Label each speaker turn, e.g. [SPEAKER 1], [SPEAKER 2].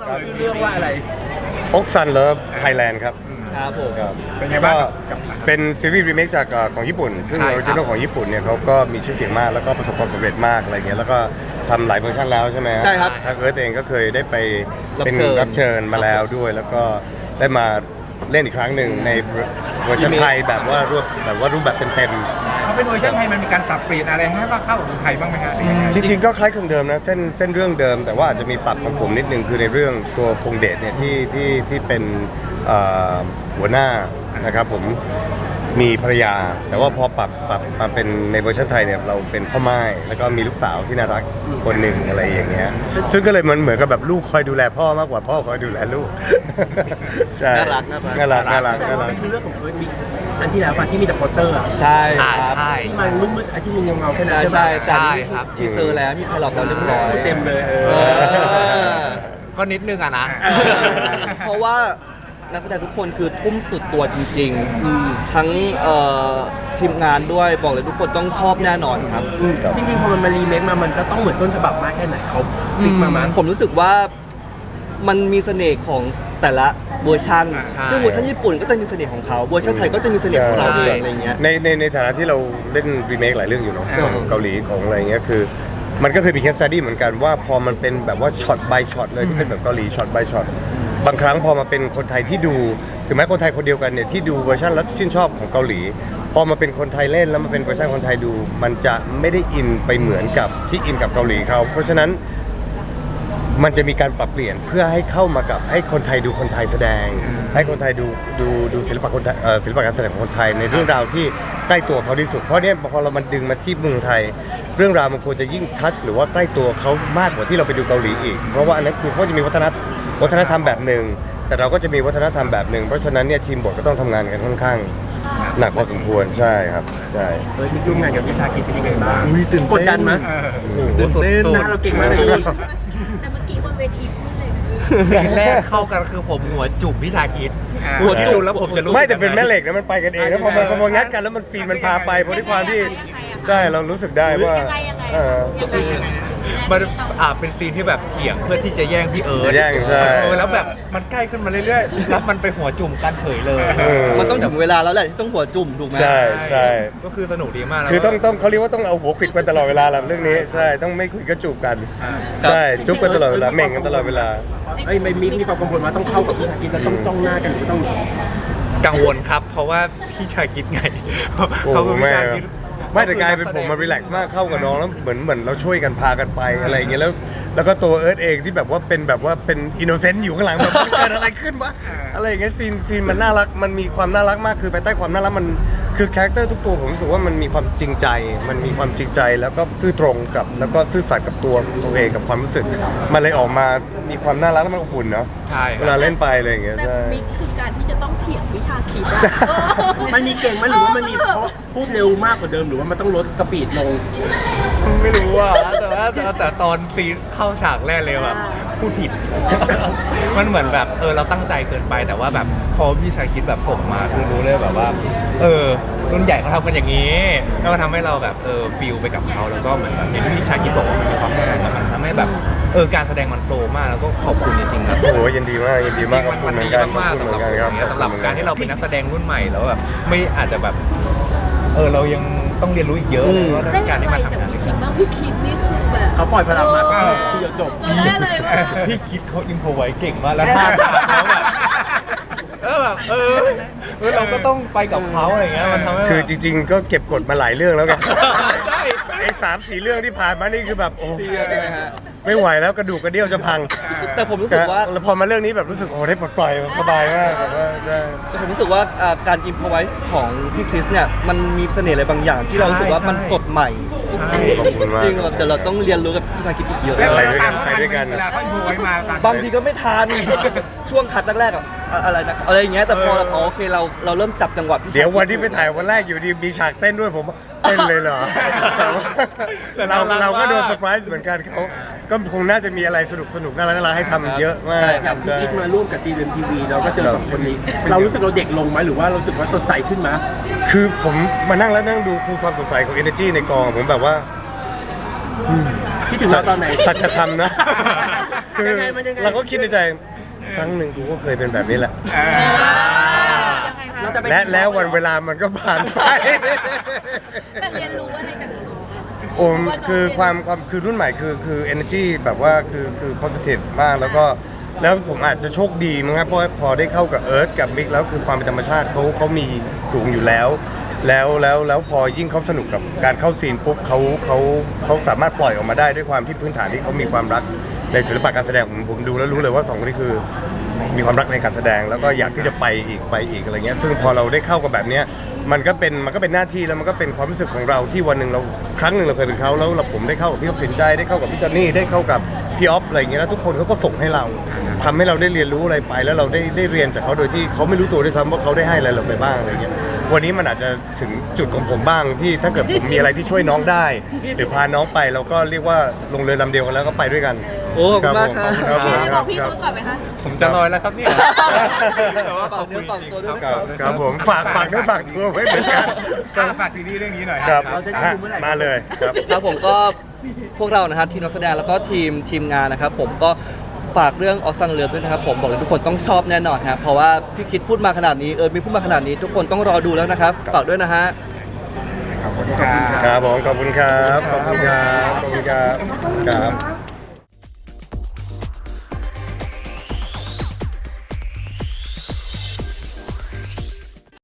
[SPEAKER 1] ชื่อเรื่องว่าอะไร
[SPEAKER 2] อกซันเลิฟไทยแลนด์ครับ
[SPEAKER 1] ครับผม
[SPEAKER 2] ครับ
[SPEAKER 3] เป็นไงบ้างกับ
[SPEAKER 2] เป็นซีรีส์รีเมคจากของญี่ปุ่นซึ่งออริจินอลของญี่ปุ่นเนี่ยเขาก็มีชื่อเสียงมากแล้วก็ประสบความสำเร็จมากอะไรเงี้ยแล้วก็ทำหลายเวอร์ชันแล้วใช่ไหม
[SPEAKER 1] ใช่ครับ
[SPEAKER 2] ทางเอิร์ธเองก็เคยได้ไปเป็น
[SPEAKER 1] รั
[SPEAKER 2] รั
[SPEAKER 1] บบ เชิ
[SPEAKER 2] เชิ
[SPEAKER 1] ญ
[SPEAKER 2] ญมาแล้วด้วยแล้วก็ได้มาเล่นอีกครั้งหนึ่งในเวอร์ชันไทยแบบว่ารูปแบบเต็ม
[SPEAKER 3] พอเป็นเวอร์ชันไทยมันมีการปรับเปลี่ยนอะไรให้ก็เข้ากับคนไทยบ้างไหมครับ
[SPEAKER 2] จริงๆก็คล้ายคลึงเดิมนะเส้นเรื่องเดิมแต่ว่าอาจจะมีปรับของผมนิดนึงคือในเรื่องตัวคงเดชเนี่ยที่เป็นหัวหน้านะครับผมมีภรรยาแต่ว่าพอปรับมาเป็นในเวอร์ชันไทยเนี่ยเราเป็นพ่อไม้แล้วก็มีลูกสาวที่น่ารักคนหนึ่งอะไรอย่างเงี้ยซึ่งก็เลยมันเหมือนกับแบบลูกคอยดูแลพ่อมากกว่าพ่อคอยดูแลลูกใช่
[SPEAKER 1] น่ารัก
[SPEAKER 4] แสดงว่าเป็นคือเรื่องของมิกอันที่แล้วป่ะที่มีแต่โปสเตอร์อ่ะ
[SPEAKER 1] ใช่ค
[SPEAKER 4] ใช่
[SPEAKER 1] รับ
[SPEAKER 4] ที่มันมืดๆไอ้ที่มีเงาๆแค่นั้น
[SPEAKER 1] ใช่
[SPEAKER 4] ใช่
[SPEAKER 1] ใช่
[SPEAKER 4] ป่ะ
[SPEAKER 1] ครับทีเซอร์แล้วมีไพลอตแล้วเรียบร้อย
[SPEAKER 4] เต็มเลย
[SPEAKER 5] ก็นิดนึงอะนะ
[SPEAKER 1] เพราะว่านักแสดงทุกคนคือทุ่มสุดตัวจริงๆทั้งทีมงานด้วยบอกเลยทุกคนต้องชอบแน่นอนครับ
[SPEAKER 4] จริงๆพอมันมารีเมคมามันจะต้องเหมือนต้นฉบับมากแค่ไหนเขาฟิกมามั้ง
[SPEAKER 1] ผมรู้สึกว่ามันมีเสน่ห์ของแต่ละเวอร์ชัน
[SPEAKER 5] ใช่
[SPEAKER 1] ซึ่งเวอร์ชันญี่ปุ่นก็จะมีเสน่ห์ของเขาเวอร์ชันไทยก็จะมีเสน่ห์ของเราเองอะไรเงี้ย
[SPEAKER 2] ในฐานะที่เราเล่นรีเมคหลายเรื่องอยู่เนาะของเกาหลีของอะไรเงี้ยคือมันก็เคยมีเคสสตัดดี้เหมือนกันว่าพอมันเป็นแบบว่าช็อต by ช็อตเลยที่เป็นแบบเกาหลีช็อต by ช็อตบางครั้งพอมาเป็นคนไทยที่ดูถึงแม้คนไทยคนเดียวกันเนี่ยที่ดูเวอร์ชันแล้วชื่นชอบของเกาหลีพอมาเป็นคนไทยเล่นแล้วมาเป็นเวอร์ชันคนไทยดู มันจะไม่ได้อินไปเหมือนกับที่อินกับเกาหลีเขาเพราะฉะนั้นมันจะมีการปรับเปลี่ยนเพื่อให้เข้ามากับให้คนไทยดูคนไทยแสดง ให้คนไทยดูศิลปะคนไทยศิลปะการแสดงของคนไทยในเรื่องราวที่ใกล้ตัวเขาที่สุดเพราะเนี่ยพอเรามันดึงมาที่เมืองไทย เรื่องราวมันควรจะยิ่งทัชหรือว่าใกล้ตัวเขามากกว่าที่เราไปดูเกาหลีอีกเพราะว่าอันนั้นคือเขาจะมีวัฒนธรรมแบบหนึ่งแต่เราก็จะมีวัฒนธรรมแบบหนึ่งเพราะฉะนั้นเนี่ยทีมบทก็ต้องทำงานกันค่อนข้างหนักพอสมควรใช่ครับใช่
[SPEAKER 4] มิกร่วมงานกับวิชาคิดเป็นยังไงบ้าง
[SPEAKER 1] ตื่นเต้น
[SPEAKER 4] กดดันมั้ย
[SPEAKER 5] สุด
[SPEAKER 4] หน้าเราเก่งมากเลย
[SPEAKER 6] แต่เมื่อกี้บนเวทีพูดเลย
[SPEAKER 5] สิ่งแรกเข้ากันคือผมหัวจุ่มพี่ชาคิดหัวจุ่มแล้วผมจะรู้
[SPEAKER 2] ไม่แต่เป็นแม่เหล็กนะมันไปกันเองแล้วพอมันงัดกันแล้วมันซีนมันพาไปเพราะด้วยความที่ใช่เรารู้สึกได้ว่า
[SPEAKER 6] ยังไง
[SPEAKER 5] มันเป็นซีนที่แบบเถียงเพื่อที่จะแย่งพี่เอิร์ธ
[SPEAKER 2] แย่งใช่
[SPEAKER 5] แล้วแบบมันใกล้ขึ้นมาเรื่อยๆแล้วมันไปหัวจุ่มกันเฉยเลย
[SPEAKER 1] มันต้องถึงเวลาแล้วแหละที่ต้องหัวจุ่มถูกไหม
[SPEAKER 2] ใช่ใช่
[SPEAKER 5] ก็คือสนุกดีมากแล้ว
[SPEAKER 2] คือต้องเขาเรียกว่าต้องเอาหัวขวิดกันตลอดเวลาแหละเรื่องนี้ใช่ต้องไม่ขวิดก็จูบกันใช่จุ๊บกันตลอดเวลาเม่งกันตลอดเวลา
[SPEAKER 4] ไอ้ยมิกมีความกังวลว่าต้องเข้ากับวิชาคิดแล้วต้องจ้องหน้ากันหรือต้อง
[SPEAKER 5] กังวลครับ เพราะว่าพี่ชาคิดไง
[SPEAKER 2] โอ้
[SPEAKER 5] เขาคือพี่ชาคิด
[SPEAKER 2] ไม่แต่กลายเป็นผมมารีแลกซ์มากเข้ากับน้องแล้วเหมือนเราช่วยกันพากันไปอะไรอย่างเงี้ยแล้วก็ตัวเอิร์ธเองที่แบบว่าเป็นอินโนเซนต์อยู่ข้างหลังแบบเกิดอะไรขึ้นวะอะไรอย่างเงี้ยซีนมันน่ารักมันมีความน่ารักมากคือภายใต้ความน่ารักมันคือคาแรคเตอร์ทุกตัวผมรู้สึกว่ามันมีความจริงใจแล้วก็ซื่อตรงกับแล้วก็ซื่อสัตย์กับตัวเองกับความรู้สึกมันเลยออกมามีความน่ารักและมันอบอุ่นเนาะ
[SPEAKER 5] ใช่
[SPEAKER 2] เวลาเล่นไปอะไรอย่างเงี้ย
[SPEAKER 6] แต่
[SPEAKER 2] ใช่
[SPEAKER 6] มิกคือการที่จะต้องเถียงวิชาคิดอะ
[SPEAKER 4] มันมีเก่งไหมหรือว่ามันมีเพราะพูดเร็วมากกว่าเดิมหรือว่ามันต้องลดสปีดลง
[SPEAKER 5] ไม่รู้อ่ะแต่ตอนซีนเข้าฉากแรกเลยแบบพูดผิด มันเหมือนแบบเราตั้งใจเกินไปแต่ว่าแบบพอพี่ชายคิดแบบส่งมาคือรู้เลยแบบว่ารุ่นใหญ่เขาทำกันอย่างนี้แล้วมันทำให้เราแบบฟีลไปกับเขาแล้วก็เหมือนแบบอย่างที่พี่ชายคิดบอกว่ามันมีความหมายมันทำให้แบบการแสดงมันโฟล์มากแล้วก็ขอบคุณจริงๆครับ
[SPEAKER 2] โอ้โหยินดีมากขอบคุณ
[SPEAKER 5] มัน
[SPEAKER 2] เหมือ
[SPEAKER 5] ดี
[SPEAKER 2] นกัน
[SPEAKER 5] มากๆ
[SPEAKER 2] ขอบ
[SPEAKER 5] สำ
[SPEAKER 2] คุณ
[SPEAKER 5] หรับ
[SPEAKER 2] เหมือนกันครับ
[SPEAKER 5] สำหรับการที่เราเป็นนักแสดงรุ่นใหม่แล้วแบบไม่อาจจะแบบเรายังต้องเรียนรู้อีกเยอะเพราะว่า
[SPEAKER 6] ได้
[SPEAKER 5] การ
[SPEAKER 6] เรียน
[SPEAKER 5] ที่
[SPEAKER 6] ไว
[SPEAKER 5] มา
[SPEAKER 6] จาก
[SPEAKER 5] ทำงานด้วย
[SPEAKER 6] พี่
[SPEAKER 5] กัน
[SPEAKER 6] คิดบ้างพี่คิดนี่คือแบบ
[SPEAKER 4] เขาปล่อยพลังมาทีเดียวจบ
[SPEAKER 6] เราได้เลยว่า
[SPEAKER 5] พี่คิดเขาอินโฟไว้เก่งมากแล้วท่าทางเขาแบบเราก็ต้องไปกับเขาอะไรเงี้ยมันทำให้
[SPEAKER 2] คือจริงๆ ก็เก็บกดมาหลายเรื่องแล้วกัน
[SPEAKER 5] ใช่
[SPEAKER 2] ไอ้3-4 เรื่องที่ผ่านมานี่คือแบบโอ้
[SPEAKER 1] ใช่ไหมฮะ
[SPEAKER 2] ไม่ไหวแล้วกระดูกกระเดี่ยวจะพัง
[SPEAKER 1] แต่ผมรู้สึกว่า
[SPEAKER 2] แล้วพอมาเรื่องนี้แบบรู้สึกโอ้ได้ปลดปล่อยสบายมากแบบว่าใช่
[SPEAKER 1] แต่ผมรู้สึกว่าการอิมพอไวส์ของพี่คริสเนี่ยมันมีเสน่ห์อะไรบางอย่าง ที่เรารู้สึกว่ามันสดใหม่
[SPEAKER 5] ใช่
[SPEAKER 2] ขอบคุณมาก
[SPEAKER 1] จริงแบบเดี๋ยวเราต้องเรียนรู้กับพี่ชาคิดอีกเยอะ
[SPEAKER 3] แล้ว
[SPEAKER 2] ไป
[SPEAKER 3] เรา
[SPEAKER 2] ด้วยกั
[SPEAKER 3] ตาน มเขา
[SPEAKER 2] ไปด้วยกัน
[SPEAKER 3] เวลาเขาอินโฟไว้มาตาม
[SPEAKER 1] บางทีก็ไม่ทัน ช่วงคัดแรกๆอะอะไรนะอะไรอย่างเงี้ยแต่พอโอเคเราเริ่มจับจังหวะพี่ชาคิ
[SPEAKER 2] เดี๋ยววันที่ไปถ่ายวันแรกอยู่ดีมีฉากเต้นด้วยผมเต้นเลยเหรอแต่ว่าเราก็โดนเซอร์ไพรส์เหมือนกันเขาก็คงน่าจะมีอะไรสนุกน่ารักให้ทำเยอะมาก
[SPEAKER 4] อย่างที่อิกมาร่วมกับ GMTV เราก็เจอสองคนนี้ เรารู้สึกเราเด็กลงไหมหรือว่าเรารู้สึกว่าสดใสขึ้นไหม
[SPEAKER 2] คือผมมานั่งแล้วนั่งดูคือความสดใสของ energy ในกองผมแบบว่า
[SPEAKER 4] คิดถึงเราตอนไหน
[SPEAKER 2] สัจธรรมนะคือ
[SPEAKER 4] ยังไงมันยังไง
[SPEAKER 2] เราก็คิดในใจครั้งหนึ่งกูก็เคยเป็นแบบนี้แหละ
[SPEAKER 4] เราจะไป
[SPEAKER 2] และแล้ววันเวลามันก็ผ่านไป
[SPEAKER 6] แต่เรียนรู้อะไรกัน
[SPEAKER 2] โอ้คือความคือรุ่นใหม่คือ energy แบบว่าคือ positive มากแล้วผมอาจจะโชคดีมั้งครับเพราะว่าพอได้เข้ากับเอิร์ธกับมิกแล้วคือความเป็นธรรมชาติเขามีสูงอยู่แล้วพอยิ่งเขาสนุกกับการเข้าซีนปุ๊บเขาสามารถปล่อยออกมาได้ด้วยความที่พื้นฐานที่เขามีความรักในศิลปะการแสดงผมดูแล้วรู้เลยว่าสองคนนี้คือมีความรักในการแสดงแล้วก็อยากที่จะไปอีกอะไรเงี้ยซึ่งพอเราได้เข้ากับแบบเนี้ยมันก็เป็นหน้าที่แล้วมันก็เป็นความรู้สึกของเราที่วันหนึ่งเราครั้งหนึ่งเราเคยเป็นเขาแล้วผมได้เข้ากับพี่ท็อปสินใจได้เข้ากับพี่จอนนี่ได้เข้ากับพี่ออฟอะไรเงี้ยแล้วทุกคนเขาก็ส่งให้เราทำให้เราได้เรียนรู้อะไรไปแล้วเราได้เรียนจากเขาโดยที่เขาไม่รู้ตัวด้วยซ้ำว่าเขาได้ให้อะไรเราไปบ้างอะไรเงี้ยวันนี้มันอาจจะถึงจุดของผมบ้างที่ถ้าเกิดผมมีอะไรที่ช่วยน้องได้หรือพาน้องไปเราก็เรียกว่าลงเรือลำเดียวกันแล้วก็ไปด้วยกัน
[SPEAKER 1] โอ้ขอบคุณมากครับ
[SPEAKER 2] ครับผม
[SPEAKER 6] พี่
[SPEAKER 2] ค
[SPEAKER 6] บ
[SPEAKER 2] รั
[SPEAKER 6] อบ กพี่
[SPEAKER 2] ครับ
[SPEAKER 6] เขาก่อนไหมคะ
[SPEAKER 5] ผมจะลอยแล้วครับเนี่ยแต่ว่าขอบคุณ
[SPEAKER 1] ฝาก
[SPEAKER 5] จริง
[SPEAKER 1] ตัวด้วย
[SPEAKER 5] ๆ
[SPEAKER 1] นะ
[SPEAKER 5] ค
[SPEAKER 1] ครั
[SPEAKER 5] รับ บ
[SPEAKER 2] ครับผมฝากด้วยฝากตัวไว้เหมือนกัน
[SPEAKER 3] ฝากซีรีส์เรื่องนี้หน่อย
[SPEAKER 2] ครับ
[SPEAKER 4] เราจะได้ดูเมื่อไหร่
[SPEAKER 2] มาเลยครับ
[SPEAKER 1] ครับผมก็พวกเรานะครับทีมนักแสดงแล้วก็ทีมงานนะครับผมก็ฝากเรื่องออสังเลิฟด้วยนะครับผมบอกเลยทุกคนต้องชอบแน่นอนครับเพราะว่าพี่คิดพูดมาขนาดนี้มีพูดมาขนาดนี้ ทุกคนต้องรอดูแล้วนะครับฝากด้วยนะฮะ
[SPEAKER 3] ขอบคุณครับ
[SPEAKER 2] ครับผมขอบคุณครับขอบคุณครับขอบคุณครับครับ